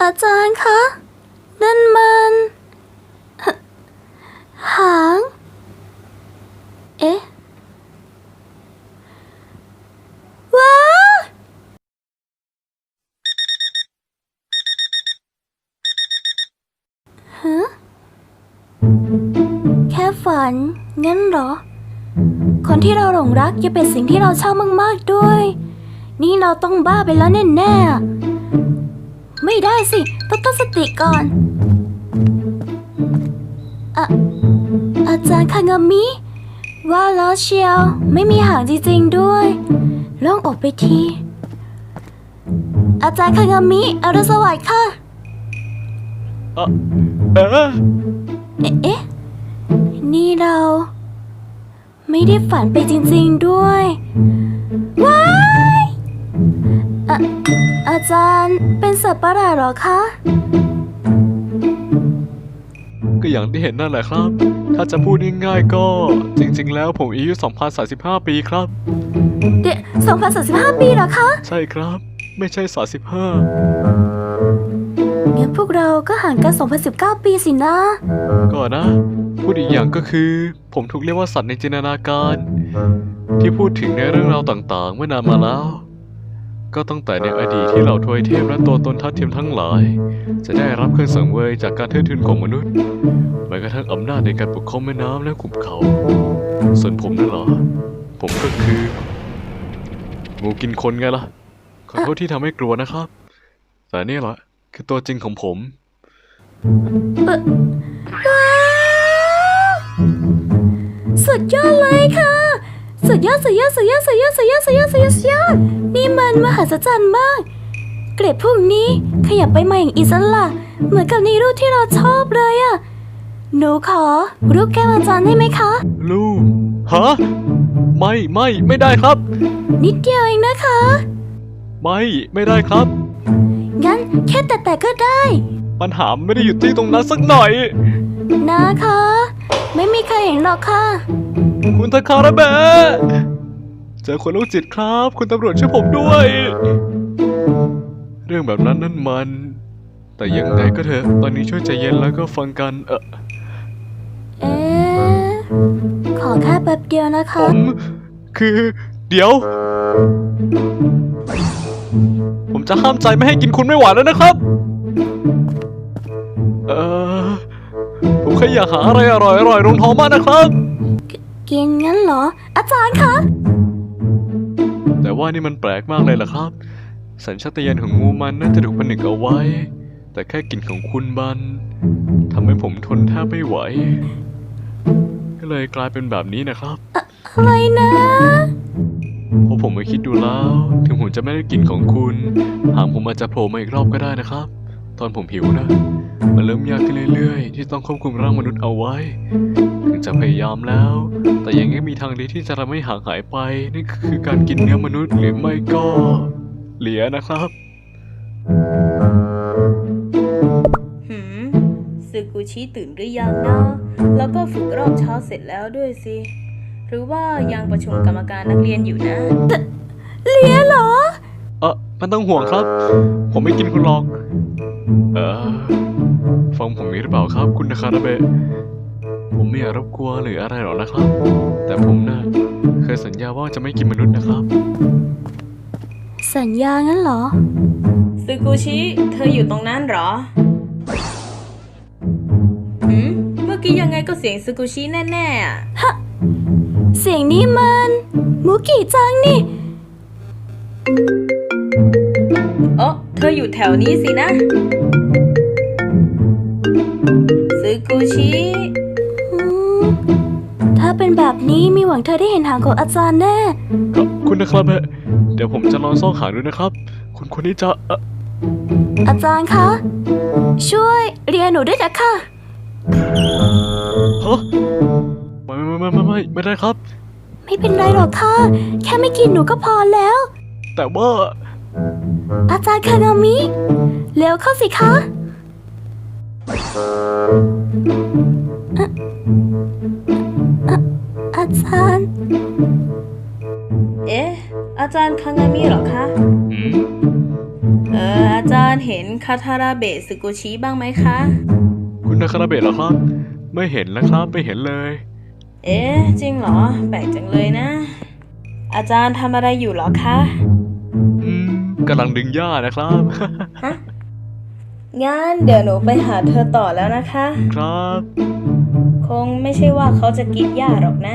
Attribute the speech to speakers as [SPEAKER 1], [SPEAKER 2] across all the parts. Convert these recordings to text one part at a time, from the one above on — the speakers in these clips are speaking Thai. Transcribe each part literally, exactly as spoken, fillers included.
[SPEAKER 1] อาจารย์คะนั่นมันหางเอ๊ะว้าฮะแค่ฝันงั้นเหรอคนที่เราหลงรักจะเป็นสิ่งที่เราชอบมากๆด้วยนี่เราต้องบ้าไปแล้วแน่ๆไม่ได้สิต้องตั้งสติก่อนอะอาจารย์คางามิว่าแล้วเชียวไม่มีหางจริงๆด้วยโล่งอกไปทีอาจารย์คางามิอรุณสวัสดิ์ค่ะ
[SPEAKER 2] เออเออ
[SPEAKER 1] เอ๊ะนี่เราไม่ได้ฝันไปจริงๆด้วยว้ายอะอาจารย์เป็นสัตว์ประหลาดเหรอคะ
[SPEAKER 2] ก็อย่างที่เห็นนั่นแหละครับถ้าจะพูดง่ายๆก็จริงๆแล้วผมอายุสองพันสามสิบห้าปีครับ
[SPEAKER 1] เด็กสองพันสามสิบห้าปีเหรอคะ
[SPEAKER 2] ใช่ครับไม่ใช่สามสิบห้า
[SPEAKER 1] งั้นพวกเราก็ห่างกันสองพันสิบเก้าปีสินะ
[SPEAKER 2] ก็นะพูดอีกอย่างก็คือผมถูกเรียกว่าสัตว์ในจินตนาการที่พูดถึงในเรื่องราวต่างๆเมื่อนานมาแล้วก็ตั้งแต่ในอดีตที่เหล่าทวยเทพและตัวตนทัดเทียมทั้งหลายจะได้รับเครื่องสังเวยจากการเทิดทูนของมนุษย์แม้กระทั่งอำนาจในการปกครองแม่น้ำและขุบเขาส่วนผมนั่นเหรอผมก็คืองูกินคนไงล่ะขอโทษที่ทำให้กลัวนะครับแต่นี่แหละคือตัวจริงของผม
[SPEAKER 1] สุดยอดเลยค่ะสุดยอดสุดยอดสุดยอดสุดยอดสุดยอดสุดยอดสุดยอดสุดยอดนี่มันมหัศจรรย์มากเกล็ดพวกนี้ขยับไปมาอย่างอิสระเหมือนกับในรูปที่เราชอบเลยอะหนูขอรูปแก้มอาจารย์ได้ไหมคะ
[SPEAKER 2] รูปฮะไม่ไม่ไม่ได้ครับ
[SPEAKER 1] นิดเดียวเองนะคะ
[SPEAKER 2] ไม่ไม่ได้ครับ
[SPEAKER 1] งั้นแค่แตะๆก็ได้
[SPEAKER 2] ปัญหาไม่ได้อยู่ที่ตรงนั้นสักหน่อย
[SPEAKER 1] นะคะไม่มีใครเห็นหรอกค่ะ
[SPEAKER 2] คุณทาคาระเบะเจอคนโรคจิตครับคุณตำรวจช่วยผมด้วยเรื่องแบบนั้นนั่นมันแต่ยังไงก็เถอะตอนนี้ช่วยใจเย็นแล้วก็ฟังกันเออ
[SPEAKER 1] เอ๊ะขอแค่แป๊บเดียวนะคะ
[SPEAKER 2] ผมคือเดี๋ยวผมจะห้ามใจไม่ให้กินคุณไม่ไหวแล้วนะครับเออผมแค่อยากหาอะไรอร่อยอร่อยลงท้องมากนะครับ
[SPEAKER 1] กินงั้นเหรออาจารย์คะ
[SPEAKER 2] แต่ว่านี่มันแปลกมากเลยล่ะครับสัญชาตญาณของงูมันน่าจะถูกผนึกเอาไว้แต่แค่กลิ่นของคุณบันทำให้ผมทนแทบไม่ไหวก็เลยกลายเป็นแบบนี้นะครับ
[SPEAKER 1] อะไรนะ
[SPEAKER 2] พอผมมาคิดดูแล้วถึงผมจะไม่ได้กลิ่นของคุณหางผมอาจจะโผล่มาอีกรอบก็ได้นะครับตอนผมหิวนะมันเริ่มยากขึ้นเรื่อยๆที่ต้องควบคุมร่างมนุษย์เอาไว้ถึงจะพยายามแล้วแต่ยังไม่มีทางเดียวที่จะทำให้ห่างหายไปนี่คือการกินเนื้อมนุษย์หรือไม่ก็เหลียนะครับ
[SPEAKER 3] หืมซึกุชิตื่นหรือยังนะแล้วก็ฝึกรอบเช้าเสร็จแล้วด้วยสิหรือว่ายังประชุมกรรมการนักเรียนอยู่นะ
[SPEAKER 1] เลียเหรอ
[SPEAKER 2] เออมันต้องห่วงครับผมไม่กินคุณหรอกเออฟังผมนี้หรือเปล่าครับคุณนาคาราเบะผมไม่อยากรบกวนหรืออะไรหรอกนะครับแต่ผมนะเคยสัญญาว่าจะไม่กินมนุษย์นะครับ
[SPEAKER 1] สัญญางั้นเหรอ
[SPEAKER 3] ซึกุชิเธออยู่ตรงนั้นเหรอหืมเมื่อกี้ยังไงก็เสียงซึกุชิแน่ๆอ่ะ
[SPEAKER 1] ฮะเสียงนี้มันมุกิจังนี่
[SPEAKER 3] โอ้เธออยู่แถวนี้สินะซึกุชิ
[SPEAKER 1] ถ้าเป็นแบบนี้มีหวังเธอได้เห็นหางของอาจารย์แน่
[SPEAKER 2] ครับคุณนะครับเดี๋ยวผมจะลองซ่องหางดูนะครับคุณคนนี้จะ
[SPEAKER 1] อาจารย์คะช่วยเรียนหนูด้วยนะคะ
[SPEAKER 2] ฮะไม่ไม่ไม่ไม่ไม่ไม่ได้ครับ
[SPEAKER 1] ไม่เป็นไรหรอกค่ะแค่ไม่กินหนูก็พอแล้ว
[SPEAKER 2] แต่ว่า
[SPEAKER 1] อาจารย์คางามิเร็วเข้าสิคะอาจารย์
[SPEAKER 3] เอ๊ะอาจารย์คางามิเหรอคะ
[SPEAKER 2] อืม
[SPEAKER 3] เอออาจารย์เห็นคาทาราเบะสึกุชิบ้างไหมคะ
[SPEAKER 2] คุณนาคาราเบะเหรอครับ ไม่เห็นนะครับ ไม่เห็นเลย
[SPEAKER 3] เอ๊ะ จริงเหรอ แปลกจังเลยนะ อาจารย์ทำอะไรอยู่เหรอคะ
[SPEAKER 2] อืมกำลังดึงหญ้านะครับ
[SPEAKER 3] ฮะ งั้นเดี๋ยวหนูไปหาเธอต่อแล้วนะคะ
[SPEAKER 2] ครับ
[SPEAKER 3] คงไม่ใช่ว่าเขาจะกินหญ้าหรอกนะ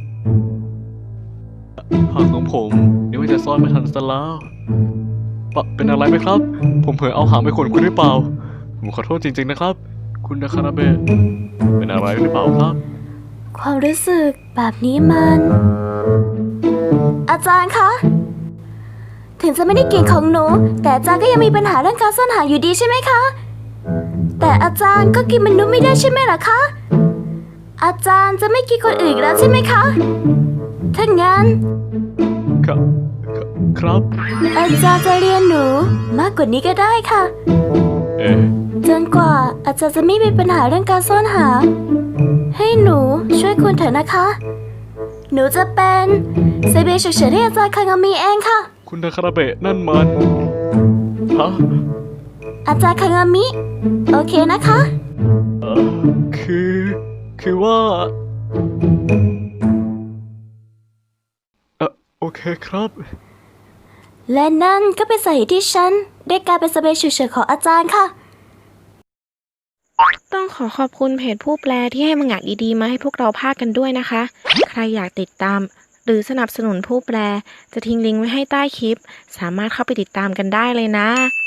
[SPEAKER 2] ผักของผมนึกว่าจะซ่อนไม่ทันซะแล้วปะเป็นอะไรไหมครับ ผมเผลอเอาหางไปขวนคุณหรือเปล่า ผมขอโทษจริงๆนะครับ คุณนาคาราเบะเป็นอะไรหรือเปล่าครับ
[SPEAKER 1] ความรู้สึกแบบนี้มัน อาจารย์คะ ถึงจะไม่ได้กินของหนู แต่อาจารย์ก็ยังมีปัญหาเรื่องการซ่อนหาอยู่ดีใช่ไหมคะ แต่อาจารย์ก็กินมนุษย์ไม่ได้ใช่ไหมล่ะคะ อาจารย์จะไม่กินคนอื่นอีกแล้วใช่ไหมคะ ถ้างั้น
[SPEAKER 2] ครับ ครับ
[SPEAKER 1] อาจารย์จะเรียนหนูมากกว่านี้ก็ได้ค่ะ
[SPEAKER 2] เอ๊ะ
[SPEAKER 1] จนกว่าอาจารย์จะไม่มีปัญหาเรื่องการซ่อนหา ให้หนูช่วยคุณเถอะนะคะ หนูจะเป็นเซเบฉุกเฉินให้อาจารย์คางามีเองค่ะ
[SPEAKER 2] คุณนาคาราเบะนั่นมันฮะ
[SPEAKER 1] อาจารย์คางามิ โอเคนะคะ
[SPEAKER 2] เออคือ คือว่า เออโอเคครับ
[SPEAKER 1] และนั่นก็เป็นสาเหตุที่ฉันได้กลายเป็นสเปซฉุกเฉินของอาจารย์ค่ะ
[SPEAKER 4] ต้องขอขอบคุณเพจผู้แปลที่ให้มังงะดีๆมาให้พวกเราพากกันด้วยนะคะ ใครอยากติดตาม หรือสนับสนุนผู้แปล จะทิ้งลิงก์ไว้ให้ใต้คลิป สามารถเข้าไปติดตามกันได้เลยนะ